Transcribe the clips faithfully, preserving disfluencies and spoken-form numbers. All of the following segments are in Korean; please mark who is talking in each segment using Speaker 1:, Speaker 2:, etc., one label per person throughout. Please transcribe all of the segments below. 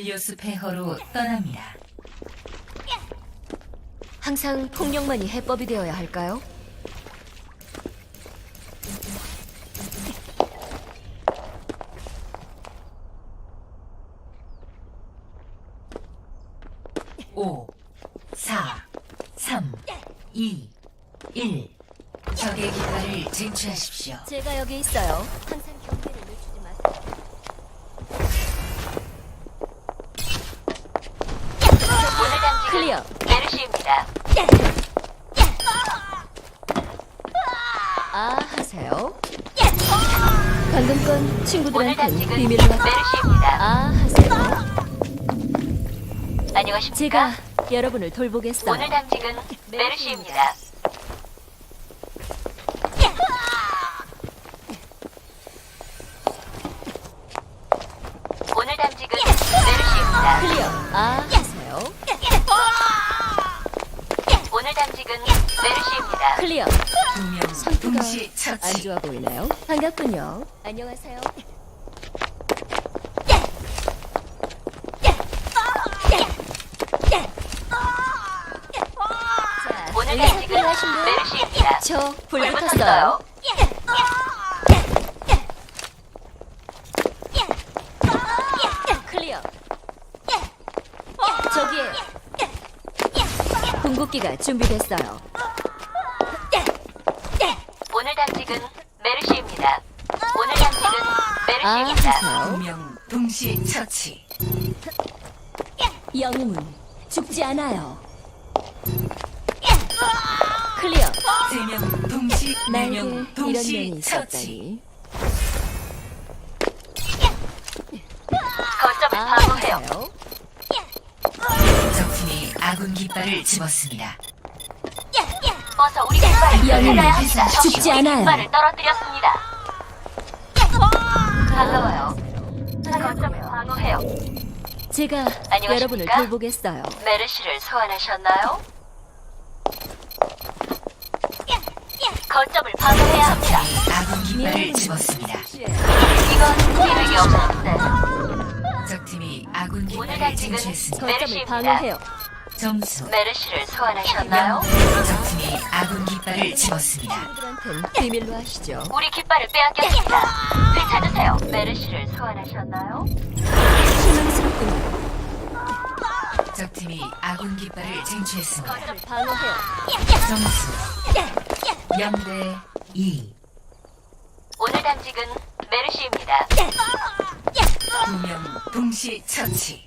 Speaker 1: 힐리오스 폐허로 떠납니다.
Speaker 2: 항상 폭력만이 해법이 되어야 할까요?
Speaker 1: 오, 사, 삼, 이, 일. 적의 깃발을 쟁취하십시오.
Speaker 2: 제가 여기 있어요. 항상 경계를 늦추지 마세요. 클리어.
Speaker 3: 메르시입니다.
Speaker 2: 아, 하세요. 방금 건
Speaker 3: 오늘
Speaker 2: 친구들한테
Speaker 3: 당직은
Speaker 2: 비밀로 하...
Speaker 3: 메르시입니다.
Speaker 2: 아, 하세요.
Speaker 3: 안녕하십니까?
Speaker 2: 제가 여러분을 돌보겠어요.
Speaker 3: 오늘 당직은 메르시입니다. 오늘 당직은 메르시입니다.
Speaker 2: 클리어. 아, 하세요.
Speaker 3: 오늘 당직은 메르시입니다.
Speaker 2: 클리어.
Speaker 1: 두명
Speaker 2: 선수가
Speaker 1: 동시
Speaker 2: 안
Speaker 1: 처치.
Speaker 2: 좋아 보이나요? 반갑군요. 안녕하세요. 자,
Speaker 3: 오늘
Speaker 2: 의사
Speaker 3: 당직은
Speaker 2: 필요하신 분?
Speaker 3: 메르시입니다.
Speaker 2: 저 불
Speaker 3: 불
Speaker 2: 붙었어요.
Speaker 3: 붙었어요.
Speaker 2: 클리어. 저기에 궁극기가 준비됐어요.
Speaker 3: 오늘 당직은 메르시입니다. 오늘 당직은
Speaker 2: 아,
Speaker 3: 메르시입니다.
Speaker 2: 하세요.
Speaker 1: 두명 동시 처치.
Speaker 2: 영웅은 죽지 않아요. 클리어.
Speaker 1: 세명 동시,
Speaker 2: 나에게
Speaker 1: 네명
Speaker 2: 이런
Speaker 1: 동시
Speaker 2: 면이
Speaker 1: 처치.
Speaker 2: 있었다니.
Speaker 3: 거점을
Speaker 2: 아,
Speaker 3: 방어해요.
Speaker 2: 하세요.
Speaker 1: 적팀이 아군 깃발을 집었습니다.
Speaker 3: 어서 우리 깃발을
Speaker 2: 영웅은
Speaker 3: 찾아야 합니다. 적이
Speaker 2: 죽지
Speaker 3: 우리
Speaker 2: 않아요.
Speaker 3: 깃발을 떨어뜨렸습니다. 반가워요. 거점을 방어해요.
Speaker 2: 제가
Speaker 3: 안녕하십니까?
Speaker 2: 여러분을 돌보겠어요.
Speaker 3: 메르시를 소환하셨나요? 거점을 방어해야 합니다.
Speaker 1: 아군 깃발을 집었습니다.
Speaker 3: 이건 기획이 없었는데.
Speaker 1: 적팀이 아군
Speaker 3: 오늘
Speaker 1: 깃발을
Speaker 3: 당직은
Speaker 1: 쟁취했습니다.
Speaker 2: 거점을
Speaker 3: 메르시입니다.
Speaker 2: 방어해요.
Speaker 1: 점수
Speaker 3: 메르시를 소환하셨나요?
Speaker 1: 적팀이 아군 깃발을 집었습니다.
Speaker 2: 친구들한텐 비밀로 하시죠.
Speaker 3: 우리 깃발을 빼앗겼습니다. 되찾으세요. 메르시를 소환하셨나요?
Speaker 2: 실망스럽군요.
Speaker 1: 적팀이 아군 깃발을 쟁취했습니다.
Speaker 2: 거점을 방어해요.
Speaker 1: 점수 영 대 이.
Speaker 3: 오늘 당직은 메르시입니다.
Speaker 1: 두명 동시 처치.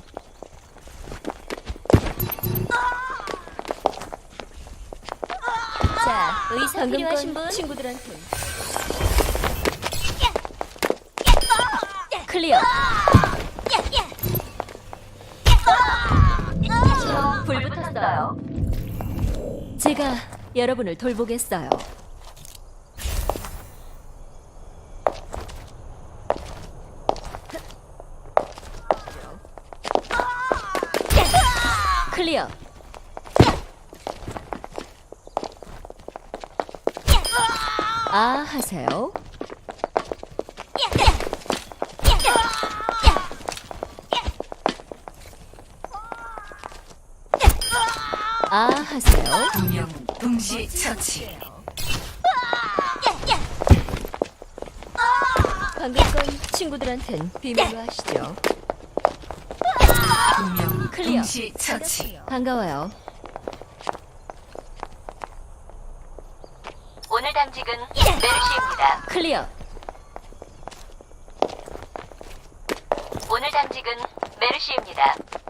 Speaker 2: 자, 의사 필요하신 분? 친구들한테. 클리어.
Speaker 3: 불 붙었어요.
Speaker 2: 제가 여러분을 돌보겠어요. 클리어. 아, 하세요. 아, 하세요.
Speaker 1: 두명 동시 처치.
Speaker 2: 방금 건 친구들한텐 비밀로 하시죠.
Speaker 1: 두명
Speaker 2: 클리어.
Speaker 1: 동시 처치.
Speaker 2: 반가워요.
Speaker 3: 오늘 당직은 메르시입니다.
Speaker 2: 클리어.
Speaker 3: 오늘 당직은 메르시입니다.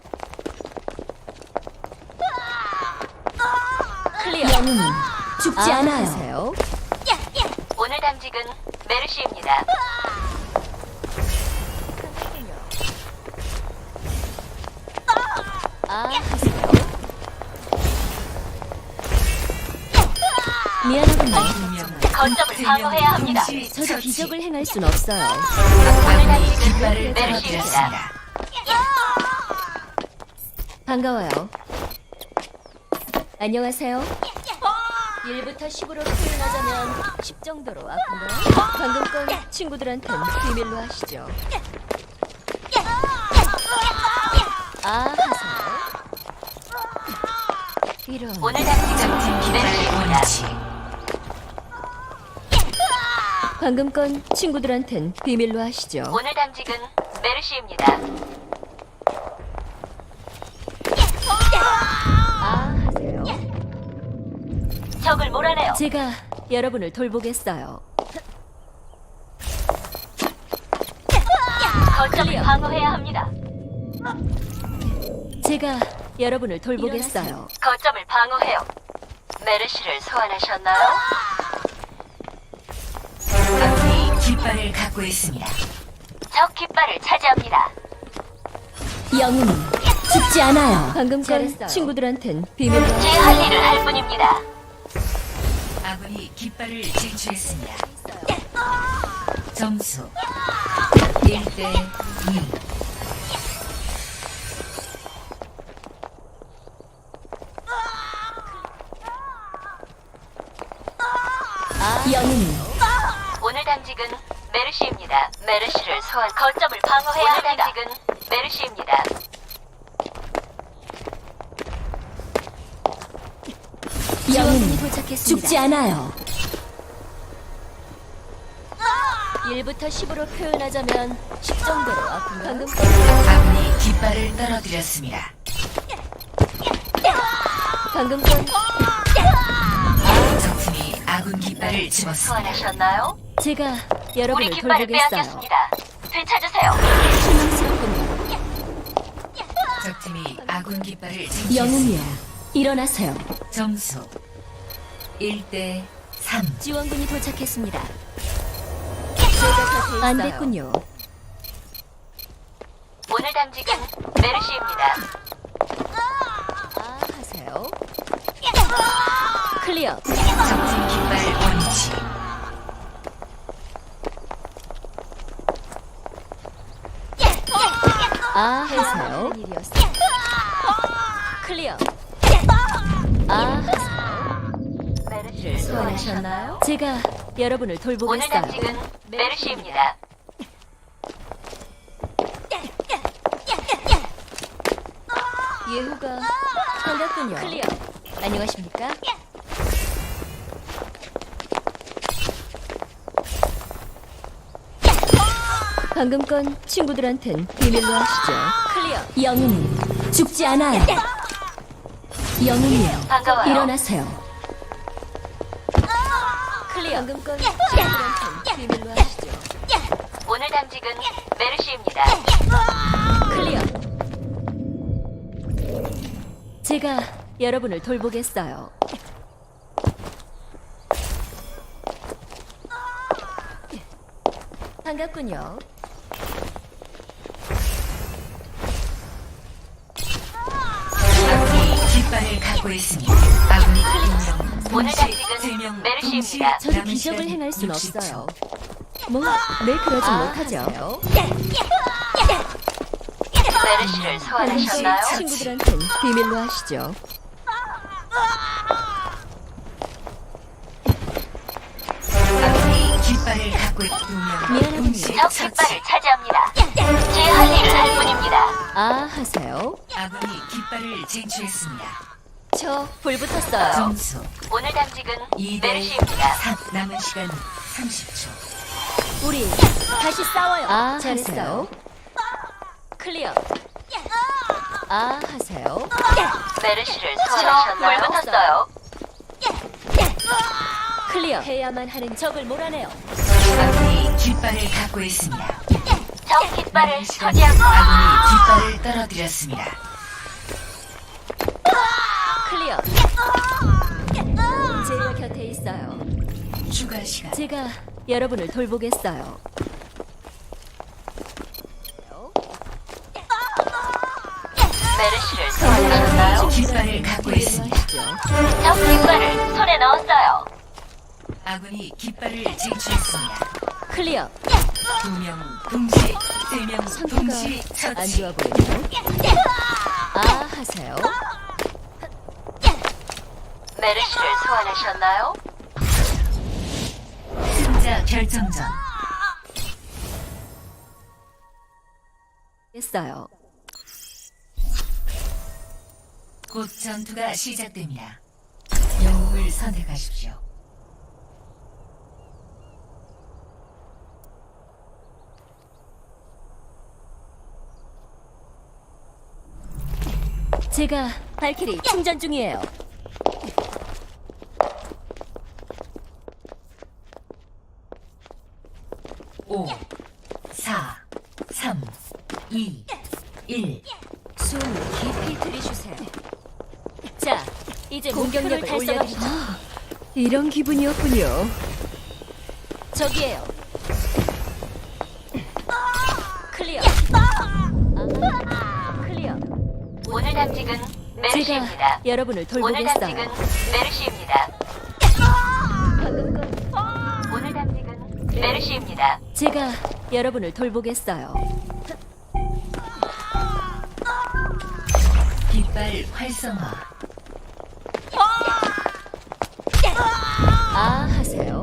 Speaker 2: 클리어. 영웅은 죽지
Speaker 3: 아,
Speaker 2: 않아요. 하세요.
Speaker 3: 오늘 당직은 메르시입니다.
Speaker 2: 아, 하세요. 미안하군요.
Speaker 1: 두명
Speaker 3: 거점을 방어해야 합니다.
Speaker 2: 저도 기적을 행할 순 없어요.
Speaker 1: 아군이 깃발을
Speaker 3: 메르시입니다.
Speaker 1: 떨어뜨렸습니다.
Speaker 2: 반가워요. 안녕하세요. 일부터 십으로 표현하자면 십 정도로 아픈가요? 방금 건 친구들한텐 비밀로 하시죠. 이런.
Speaker 3: 오늘 당직은
Speaker 1: 적팀 깃발
Speaker 3: 메르시입니다.
Speaker 1: 원위치.
Speaker 2: 방금 건 친구들한텐 비밀로 하시죠.
Speaker 3: 오늘 당직은 메르시입니다.
Speaker 2: 아, 하세요.
Speaker 3: 적을 몰아내요.
Speaker 2: 제가 여러분을 돌보겠어요.
Speaker 3: 거점을
Speaker 2: 클리어.
Speaker 3: 방어해야 합니다.
Speaker 2: 제가 여러분을 돌보겠어요.
Speaker 3: 거점을 방어해요. 메르시를 소환하셨나요?
Speaker 1: 아군이 깃발을 갖고 있습니다.
Speaker 3: 적 깃발을 차지합니다.
Speaker 2: 영웅은 죽지 않아요. 방금 건
Speaker 1: 잘했어요.
Speaker 2: 친구들한텐 비밀로
Speaker 3: 제
Speaker 2: 하시죠.
Speaker 3: 할 일을 할 뿐입니다.
Speaker 1: 아군이 깃발을 쟁취했습니다. 점수 일 대 이.
Speaker 2: 영웅은
Speaker 3: 오늘 당직은 메르시입니다. 메르시를 소환 거점을 방어해야 합니다. 오늘 당직은 메르시입니다.
Speaker 2: 영웅은 죽지 않아요. 일부터 십으로 표현하자면 십 정도로 아픈가? 방금 건,
Speaker 1: 아군이 깃발을 떨어뜨렸습니다.
Speaker 2: 방금 건
Speaker 1: 적팀이 아군 깃발을 집었습니다.
Speaker 3: 소환하셨나요?
Speaker 2: 제가
Speaker 3: 우리
Speaker 2: 여러분을
Speaker 3: 깃발을
Speaker 2: 돌보겠어요.
Speaker 3: 빼앗겼습니다. 되찾으세요.
Speaker 2: 실망스럽군요.
Speaker 1: 적팀이 아군 깃발을 쟁취했습니다.
Speaker 2: 영웅이야, 일어나세요.
Speaker 1: 점수 일 대 삼.
Speaker 2: 지원군이 도착했습니다. 제가 곁에
Speaker 3: 아,
Speaker 2: 안 됐군요.
Speaker 3: 오늘 당직은 메르시입니다.
Speaker 2: 아, 하세요. 클리어.
Speaker 1: 적팀 깃발 원위치.
Speaker 2: 아, 하세요. 클리어. 아, 하세요.
Speaker 3: 메르시를
Speaker 2: 소환하셨나요? 제가 여러분을
Speaker 3: 오늘
Speaker 2: 돌보겠어요.
Speaker 3: 당직은 메르시입니다.
Speaker 2: 예후가 반갑군요. 클리어. 안녕하십니까? 방금 건 친구들한텐 비밀로 하시죠. 클리어. 영웅은 죽지 않아요. 영웅이요.
Speaker 3: 반가워요.
Speaker 2: 일어나세요. 클리어. 방금 건 친구들한텐 비밀로 하시죠.
Speaker 3: 오늘 당직은 메르시입니다.
Speaker 2: 클리어. 제가 여러분을 돌보겠어요. 반갑군요.
Speaker 1: 아군이 깃발을 갖고 있습니다. 아군이 한명
Speaker 3: 오늘
Speaker 1: 동시
Speaker 3: 당직은
Speaker 1: 세명
Speaker 3: 메르시입니다.
Speaker 2: 저도 기적을 행할 순 없어요. 뭐, 늘 그러진
Speaker 3: 아,
Speaker 2: 못하죠.
Speaker 3: 메르시를 소환하셨나요?
Speaker 2: 친구들한텐 비밀로 하시죠.
Speaker 1: 아군이 깃발을 갖고 있두명
Speaker 2: 미안합니다.
Speaker 1: 동시
Speaker 3: 적
Speaker 1: 처치.
Speaker 3: 깃발을 차지합니다. 제 할 일을 할 뿐입니다.
Speaker 2: 아, 하세요.
Speaker 1: 아군이 깃발을 쟁취했습니다.
Speaker 2: 저 불 붙었어요.
Speaker 1: 점수
Speaker 3: 오늘 당직은
Speaker 1: 이 대
Speaker 3: 메르시입니다.
Speaker 1: 삼. 남은 시간 삼십 초.
Speaker 2: 우리 다시 싸워요. 아, 하세요. 클리어. 아, 하세요.
Speaker 3: 메르시를 소환하셨나요? 물 붙었어요.
Speaker 2: 클리어. 해야만 하는 적을 몰아내요.
Speaker 1: 아군이 깃발을 갖고 있습니다.
Speaker 3: 적
Speaker 1: 남은
Speaker 3: 깃발을
Speaker 1: 시간
Speaker 3: 소지하고
Speaker 1: 아군이 깃발을 떨어뜨렸습니다.
Speaker 2: 클리어. 제가 곁에 있어요.
Speaker 1: 추가 시간
Speaker 2: 제가 여러분을 돌보겠어요.
Speaker 3: 메르시를 소환하셨나요?
Speaker 1: 깃발을 갖고 있습니다.
Speaker 2: 하시죠.
Speaker 3: 적 깃발을 손에 넣었어요.
Speaker 1: 아군이 깃발을 쟁취했습니다.
Speaker 2: 클리어.
Speaker 1: 두 명 동시, 세 명
Speaker 2: 상태가
Speaker 1: 동시
Speaker 2: 안
Speaker 1: 처치.
Speaker 2: 좋아 보이네요. 아, 하세요.
Speaker 3: 메르시를 소환하셨나요?
Speaker 1: 승자 결정전.
Speaker 2: 했어요.
Speaker 1: 곧 전투가 시작됩니다. 영웅을 선택하십시오.
Speaker 2: 제가 발키리 충전 중이에요.
Speaker 1: 오, 사, 삼, 이, 일.
Speaker 2: 숨 깊이 들이쉬세요. 자, 이제 공격력을 올려드리죠. 이런 기분이었군요. 저기에요. 클리어. 아, 클리어.
Speaker 3: 오늘 당직은 메르시입니다.
Speaker 2: 제가 여러분을
Speaker 3: 오늘 당직은
Speaker 2: 돌보겠어요.
Speaker 3: 메르시입니다.
Speaker 2: 방금 건
Speaker 3: 오늘 당직은 메르시입니다.
Speaker 2: 제가 여러분을 돌보겠어요.
Speaker 1: 깃발 활성화.
Speaker 2: 아 하세요.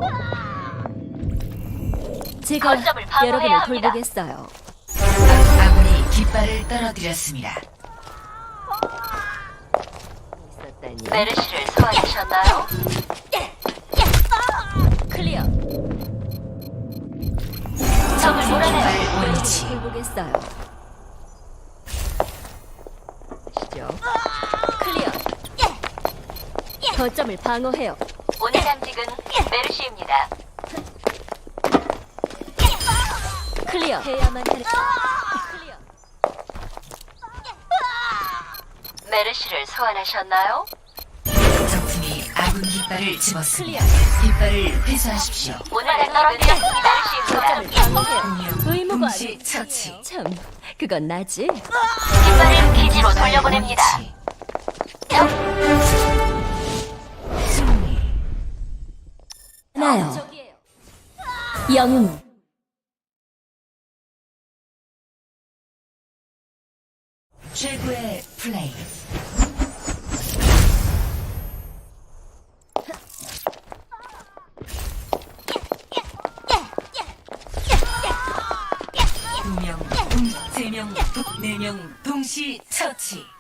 Speaker 2: 제가
Speaker 3: 거점을 방어해야
Speaker 2: 여러분을
Speaker 3: 합니다.
Speaker 2: 돌보겠어요.
Speaker 1: 아군이 깃발을 떨어뜨렸습니다.
Speaker 2: 있었다니.
Speaker 3: 메르시를 소환하셨나요?
Speaker 2: 클리어.
Speaker 3: 적을 몰아내요.
Speaker 1: 깃발
Speaker 2: 여러분을
Speaker 1: 원위치.
Speaker 2: 돌보겠어요. 시죠. 클리어. 거점을 방어해요.
Speaker 3: 오늘 당직은 메르시입니다.
Speaker 2: 클리어. 해야만 하는. 클리어.
Speaker 3: 메르시를 소환하셨나요?
Speaker 1: 적팀이 아군 깃발을 집었습니다. 깃발을 회수하십시오.
Speaker 3: 오늘 당직은 메르시입니다.
Speaker 2: 거점을 방어해요.
Speaker 1: 공룡
Speaker 2: 의무가
Speaker 1: 동시
Speaker 2: 아니에요.
Speaker 1: 처치.
Speaker 2: 참, 그건 나지.
Speaker 3: 깃발을 기지로 돌려보냅니다.
Speaker 1: 승리.
Speaker 2: 나요.
Speaker 3: 저기에요.
Speaker 2: 영웅.
Speaker 1: 최고의 플레이. 두 명, 세 명, 네 명 동시 처치.